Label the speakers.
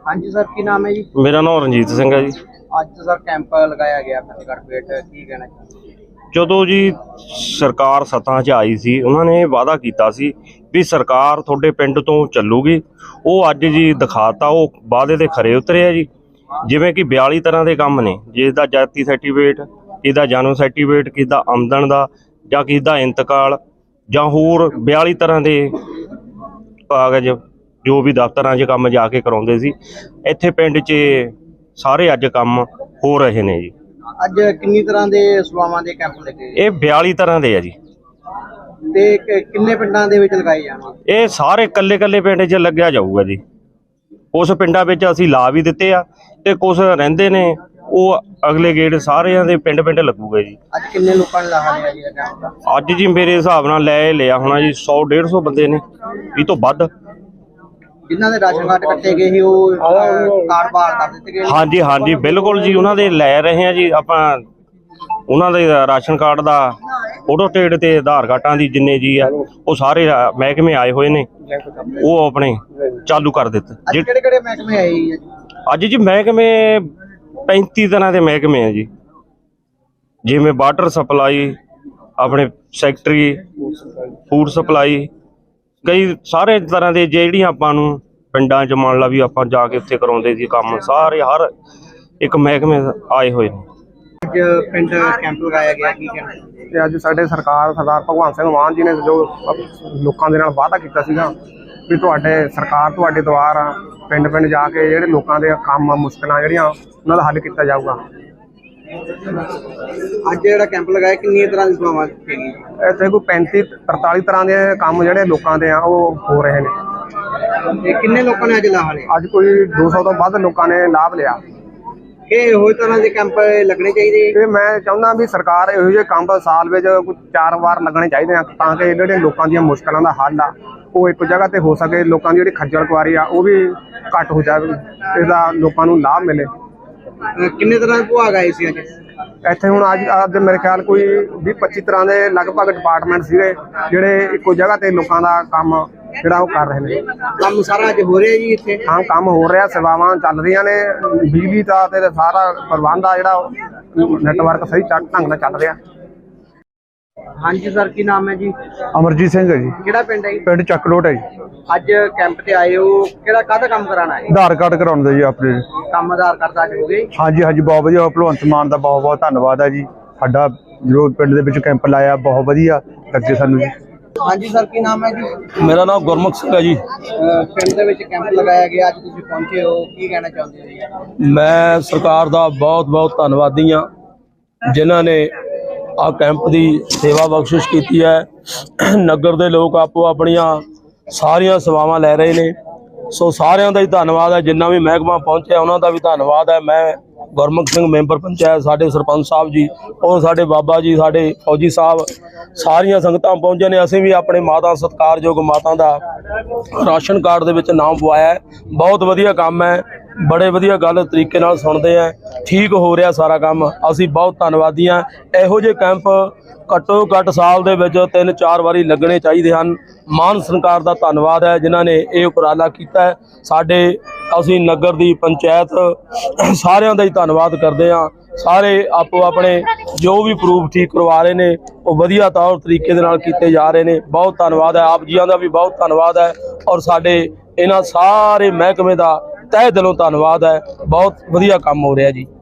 Speaker 1: हाँ जी सर, की नाम है जी?
Speaker 2: मेरा नाम ਰਣਜੀਤ ਸਿੰਘ ਹੈ ਜੀ।
Speaker 1: ਅੱਜ ਸਰ ਕੈਂਪ ਲਗਾਇਆ ਗਿਆ ਫਤਿਹਗੜ੍ਹ ਪੇਟ, ਕੀ ਕਹਿਣਾ ਚਾਹੁੰਦੇ?
Speaker 2: ਜਦੋਂ ਜੀ ਸਰਕਾਰ ਸੱਤਾ 'ਚ ਆਈ ਸੀ, ਉਹਨਾਂ ਨੇ ਵਾਅਦਾ ਕੀਤਾ ਸੀ ਵੀ ਸਰਕਾਰ ਤੁਹਾਡੇ ਪਿੰਡ ਤੋਂ ਚੱਲੂਗੀ। ਉਹ ਅੱਜ ਜੀ ਦਿਖਾਤਾ, ਉਹ ਵਾਅਦੇ ਦੇ ਖਰੇ ਉਤਰੇ ਆ ਜੀ। ਜਿਵੇਂ ਕਿ 42 ਤਰ੍ਹਾਂ ਦੇ ਕੰਮ ਨੇ, ਜਿਸ ਦਾ ਜਾਤੀ ਸਰਟੀਫਿਕੇਟ, ਕਿਸੇ ਦਾ ਜਨਮ ਸਰਟੀਫਿਕੇਟ, ਕਿਸੇ ਦਾ ਆਮਦਨ ਦਾ, ਜਾਂ ਕਿਸੇ ਦਾ ਇੰਤਕਾਲ, ਜਾਂ ਹੋਰ 42 ਤਰ੍ਹਾਂ ਦੇ ਕਾਗਜ਼ ਜੋ ਵੀ ਦਫ਼ਤਰਾਂ 'ਚ ਕੰਮ ਜਾ ਕੇ ਕਰਾਉਂਦੇ ਸੀ, ਇੱਥੇ ਪਿੰਡ 'ਚ ਸਾਰੇ ਅੱਜ ਕੰਮ ਹੋ ਰਹੇ ਨੇ ਜੀ।
Speaker 1: ਅੱਜ ਕਿੰਨੀ ਤਰ੍ਹਾਂ ਦੇ ਸੇਵਾਵਾਂ ਦੇ ਕੈਂਪ ਲੱਗੇ?
Speaker 2: ਇਹ 42 ਤਰ੍ਹਾਂ ਦੇ ਆ ਜੀ।
Speaker 1: ਤੇ ਕਿੰਨੇ ਪਿੰਡਾਂ ਦੇ ਵਿੱਚ ਲਗਾਏ ਜਾਣਗੇ?
Speaker 2: ਇਹ ਸਾਰੇ ਕੱਲੇ ਪਿੰਡ 'ਚ ਲੱਗਿਆ ਜਾਊਗਾ ਜੀ। ਕੁਛ ਪਿੰਡਾਂ ਵਿੱਚ ਅਸੀਂ ਲਾ ਵੀ ਦਿੱਤੇ ਆ ਤੇ ਕੁਛ ਰਹਿੰਦੇ ਨੇ, ਉਹ ਅਗਲੇ ਗੇੜ ਸਾਰਿਆਂ ਦੇ ਪਿੰਡ ਲੱਗੂਗਾ ਜੀ।
Speaker 1: ਅੱਜ ਕਿੰਨੇ ਲੋਕਾਂ ਨੇ ਲਾਹਾ ਲਿਆ ਜੀ ਕੈਂਪ ਦਾ?
Speaker 2: ਅੱਜ ਜੀ ਮੇਰੇ ਹਿਸਾਬ ਨਾਲ ਲੈ ਲਿਆ ਹੋਣਾ ਜੀ 100-150 ਬੰਦੇ ਨੇ, ਇਹ ਤੋਂ ਵੱਧ।
Speaker 1: ਜਿਨ੍ਹਾਂ ਦੇ ਰਾਸ਼ਨ ਕਾਰਡ ਕੱਟੇ ਗਏ ਸੀ ਉਹ ਕਾਰਡ ਬਹਾਲ ਕਰ ਦਿੱਤੇ ਗਏ?
Speaker 2: ਹਾਂਜੀ ਬਿਲਕੁਲ ਜੀ, ਉਹਨਾਂ ਦੇ ਲੈ ਰਹੇ ਆ ਜੀ ਆਪਾਂ। ਉਹਨਾਂ ਦੇ ਰਾਸ਼ਨ ਕਾਰਡ ਦਾ ਫੋਟੋ ਸਟੇਟ ਤੇ ਆਧਾਰ ਕਾਰਡਾਂ ਦੀ ਜਿੰਨੇ ਜੀ ਆ, ਉਹ ਸਾਰੇ ਮਹਿਕਮੇ ਆਏ ਹੋਏ ਨੇ, ਉਹ ਆਪਣੇ ਚਾਲੂ ਕਰ ਦਿੱਤੇ।
Speaker 1: ਕਿਹੜੇ ਮਹਿਕਮੇ ਆਏ ਜੀ
Speaker 2: ਅੱਜ ਜੀ? ਮਹਿਕਮੇ 35 ਤਰ੍ਹਾਂ ਦੇ ਮਹਿਕਮੇ ਆ ਜੀ। ਜਿਵੇਂ ਵਾਟਰ ਸਪਲਾਈ, ਆਪਣੇ ਸੈਕਟਰੀ, ਫੂਡ ਸਪਲਾਈ, ਕਈ ਸਾਰੇ ਤਰ੍ਹਾਂ ਦੇ ਜਿਹੜੀਆਂ ਆਪਾਂ ਨੂੰ ਪਿੰਡਾਂ 'ਚ ਮੰਨ ਲਾ ਵੀ ਆਪਾਂ ਜਾ ਕੇ ਉੱਥੇ ਕਰਾਉਂਦੇ ਸੀ ਕੰਮ, ਸਾਰੇ ਹਰ ਇੱਕ ਮਹਿਕਮੇ ਆਏ ਹੋਏ ਨੇ।
Speaker 1: ਅੱਜ ਪਿੰਡ ਕੈਂਪ ਲਗਾਇਆ ਗਿਆ, ਕੀ ਕਹਿਣਾ?
Speaker 3: ਤੇ ਅੱਜ ਸਾਡੇ ਸਰਦਾਰ ਭਗਵੰਤ ਸਿੰਘ ਮਾਨ ਜੀ ਨੇ ਜੋ ਲੋਕਾਂ ਦੇ ਨਾਲ ਵਾਅਦਾ ਕੀਤਾ ਸੀਗਾ ਵੀ ਸਰਕਾਰ ਤੁਹਾਡੇ ਦੁਆਰ ਪਿੰਡ ਜਾ ਕੇ ਜਿਹੜੇ ਲੋਕਾਂ ਦੇ ਕੰਮ ਮੁਸ਼ਕਲਾਂ ਜਿਹੜੀਆਂ ਉਹਨਾਂ ਦਾ ਹੱਲ ਕੀਤਾ ਜਾਊਗਾ।
Speaker 1: ਅੱਜ ਜਿਹੜਾ ਕੈਂਪ ਲਗਾਇਆ, ਕਿੰਨੀਆਂ ਤਰ੍ਹਾਂ ਦੀ ਸੇਵਾਵਾਂ ਦਿੱਤੀਆਂ ਗਈਆਂ?
Speaker 3: ਇੱਥੇ ਕੋਈ 35-43 ਤਰ੍ਹਾਂ ਦੇ ਕੰਮ ਜਿਹੜੇ ਲੋਕਾਂ ਦੇ ਆ ਉਹ ਹੋ ਰਹੇ ਨੇ।
Speaker 1: ਤੇ ਕਿੰਨੇ ਲੋਕਾਂ ਨੇ ਅੱਜ ਲਾਹਾ ਲਿਆ?
Speaker 3: ਅੱਜ ਕੋਈ 200 ਤੋਂ ਵੱਧ ਲੋਕਾਂ ਨੇ ਲਾਭ ਲਿਆ।
Speaker 1: ਇਹ ਹੋਰ ਤਰ੍ਹਾਂ ਦੇ ਕੈਂਪ ਲੱਗਣੇ ਚਾਹੀਦੇ?
Speaker 3: ਤੇ ਮੈਂ ਚਾਹੁੰਦਾ ਵੀ ਸਰਕਾਰ ਇਹੋ ਜਿਹੇ ਕੰਮ ਸਾਲ ਵਿੱਚ ਕੋਈ 4 ਵਾਰ ਲੱਗਣੇ ਚਾਹੀਦੇ ਆ, ਤਾਂ ਕਿ ਜਿਹੜੇ ਲੋਕਾਂ ਦੀਆਂ ਮੁਸ਼ਕਲਾਂ ਦਾ ਹੱਲ ਆ ਉਹ ਇੱਕ ਜਗ੍ਹਾ ਤੇ ਹੋ ਸਕੇ। ਲੋਕਾਂ ਦੀ ਜਿਹੜੀ ਖੱਜਲ ਖੁਆਰੀ ਆ ਉਹ ਵੀ ਘੱਟ ਹੋ ਜਾਵੇ, ਇਹਦਾ ਲੋਕਾਂ ਨੂੰ ਲਾਭ ਮਿਲੇ।
Speaker 1: ਕਿੰਨੇ ਤਰ੍ਹਾਂ ਦੇ ਵਿਭਾਗ ਆਏ ਸੀ ਅੱਜ
Speaker 3: ਇੱਥੇ? ਹੁਣ ਅੱਜ ਮੇਰੇ ਖਿਆਲ ਕੋਈ 20-25 ਤਰ੍ਹਾਂ ਦੇ ਲਗਭਗ ਡਿਪਾਰਟਮੈਂਟ ਸੀਗੇ ਜਿਹੜੇ ਇੱਕੋ ਜਗ੍ਹਾ ਤੇ ਲੋਕਾਂ ਦਾ ਕੰਮ ਜਿਹੜਾ ਉਹ ਕਰ ਰਹੇ ਨੇ।
Speaker 1: ਕੰਮ ਸਾਰਾ ਅੱਜ ਹੋ ਰਿਹਾ ਜੀ ਇੱਥੇ?
Speaker 3: ਹਾਂ, ਕੰਮ ਹੋ ਰਿਹਾ, ਸੇਵਾਵਾਂ ਚੱਲ ਰਹੀਆਂ ਨੇ, ਬਿਜਲੀ ਦਾ ਤੇ ਸਾਰਾ ਪ੍ਰਬੰਧ ਆ ਜਿਹੜਾ ਨੈਟਵਰਕ ਸਹੀ ਢੰਗ ਨਾਲ ਚੱਲ ਰਿਹਾ।
Speaker 1: ਹਾਂਜੀ ਸਰ, ਕੀ ਨਾਮ ਹੈ ਜੀ?
Speaker 3: ਅਮਰਜੀਤ ਸਿੰਘ ਹੈ ਜੀ।
Speaker 1: ਕਿਹੜਾ ਪਿੰਡ ਹੈ ਜੀ?
Speaker 3: ਪਿੰਡ ਚੱਕਲੋਟ ਹੈ ਜੀ।
Speaker 1: ਅੱਜ ਕੈਂਪ ਤੇ ਆਏ ਹੋ, ਕਾਹਦਾ ਕੰਮ ਕਰਾਉਣਾ ਹੈ?
Speaker 3: ਆਧਾਰ ਕਾਰਡ ਕਰਾਉਣ ਦਾ ਜੀ ਆਪਣੇ।
Speaker 1: ਕੰਮ ਆਧਾਰ ਕਾਰਡ ਦਾ ਅੱਜ ਹੋ ਗਏ?
Speaker 3: ਹਾਂਜੀ ਬਹੁਤ ਵਧੀਆ। ਭਗਵੰਤ ਮਾਨ ਦਾ ਬਹੁਤ ਧੰਨਵਾਦ ਹੈ ਜੀ। ਸਾਡਾ ਜੋ ਪਿੰਡ ਦੇ ਵਿੱਚ ਕੈਂਪ ਲਾਇਆ ਬਹੁਤ ਵਧੀਆ ਲੱਗੇ ਸਾਨੂੰ ਜੀ।
Speaker 1: ਹਾਂਜੀ ਸਰ, ਕੀ ਨਾਮ ਹੈ ਜੀ?
Speaker 4: ਮੇਰਾ ਨਾਮ ਗੁਰਮੁਖ ਸਿੰਘ ਹੈ ਜੀ।
Speaker 1: ਪਿੰਡ ਦੇ ਵਿੱਚ ਕੈਂਪ ਲਗਾਇਆ ਗਿਆ, ਅੱਜ ਤੁਸੀਂ ਪਹੁੰਚੇ ਹੋ, ਕੀ ਕਹਿਣਾ ਚਾਹੁੰਦੇ ਹੋ ਜੀ?
Speaker 4: ਮੈਂ ਸਰਕਾਰ ਦਾ ਬਹੁਤ ਧੰਨਵਾਦੀ ਹਾਂ, ਜਿਨ੍ਹਾਂ ਨੇ ਆ ਕੈਂਪ ਦੀ ਸੇਵਾ ਬਖਸ਼ਿਸ਼ ਕੀਤੀ ਹੈ। ਨਗਰ ਦੇ ਲੋਕ ਆਪੋ ਆਪਣੀਆਂ ਸਾਰੀਆਂ ਸੇਵਾਵਾਂ ਲੈ ਰਹੇ ਨੇ, ਸੋ ਸਾਰਿਆਂ ਦਾ ਹੀ ਧੰਨਵਾਦ ਹੈ। ਜਿੰਨਾ ਵੀ ਮਹਿਕਮਾ ਪਹੁੰਚਿਆ ਉਹਨਾਂ ਦਾ ਵੀ ਧੰਨਵਾਦ ਹੈ। ਮੈਂ ਗੁਰਮੁਖ ਸਿੰਘ ਮੈਂਬਰ ਪੰਚਾਇਤ, ਸਾਡੇ ਸਰਪੰਚ ਸਾਹਿਬ ਜੀ, ਔਰ ਸਾਡੇ ਬਾਬਾ ਜੀ, ਸਾਡੇ ਫੌਜੀ ਸਾਹਿਬ, ਸਾਰੀਆਂ ਸੰਗਤਾਂ ਪਹੁੰਚੇ ਨੇ। ਅਸੀਂ ਵੀ ਆਪਣੇ ਮਾਤਾ ਸਤਿਕਾਰਯੋਗ ਮਾਤਾ ਦਾ ਰਾਸ਼ਨ ਕਾਰਡ ਦੇ ਵਿੱਚ ਨਾਮ ਪਵਾਇਆ। ਬਹੁਤ ਵਧੀਆ ਕੰਮ ਹੈ, ਬੜੇ ਵਧੀਆ ਗੱਲ ਤਰੀਕੇ ਨਾਲ ਸੁਣਦੇ ਆ, ਠੀਕ ਹੋ ਰਿਹਾ ਸਾਰਾ ਕੰਮ। ਅਸੀਂ ਬਹੁਤ ਧੰਨਵਾਦੀ ਹਾਂ। ਇਹੋ ਜਿਹੇ ਕੈਂਪ ਘੱਟੋ ਘੱਟ ਸਾਲ ਦੇ ਵਿੱਚ 3-4 ਵਾਰੀ ਲੱਗਣੇ ਚਾਹੀਦੇ ਹਨ। ਮਾਨ ਸਰਕਾਰ ਦਾ ਧੰਨਵਾਦ ਹੈ ਜਿਨ੍ਹਾਂ ਨੇ ਇਹ ਉਪਰਾਲਾ ਕੀਤਾ ਹੈ। ਅਸੀਂ ਨਗਰ ਦੀ ਪੰਚਾਇਤ ਸਾਰਿਆਂ ਦਾ ਹੀ ਧੰਨਵਾਦ ਕਰਦੇ ਹਾਂ। ਸਾਰੇ ਆਪੋ ਆਪਣੇ ਜੋ ਵੀ ਪ੍ਰੂਫ ਠੀਕ ਕਰਵਾ ਰਹੇ ਨੇ ਉਹ ਵਧੀਆ ਤੌਰ ਤਰੀਕੇ ਦੇ ਨਾਲ ਕੀਤੇ ਜਾ ਰਹੇ ਨੇ। ਬਹੁਤ ਧੰਨਵਾਦ ਹੈ, ਆਪ ਜੀਆਂ ਦਾ ਵੀ ਬਹੁਤ ਧੰਨਵਾਦ ਹੈ, ਔਰ ਸਾਡੇ ਇਹਨਾਂ ਸਾਰੇ ਮਹਿਕਮੇ ਦਾ ਤਹਿ ਦਿਲੋਂ ਧੰਨਵਾਦ ਹੈ। ਬਹੁਤ ਵਧੀਆ ਕੰਮ ਹੋ ਰਿਹਾ ਜੀ।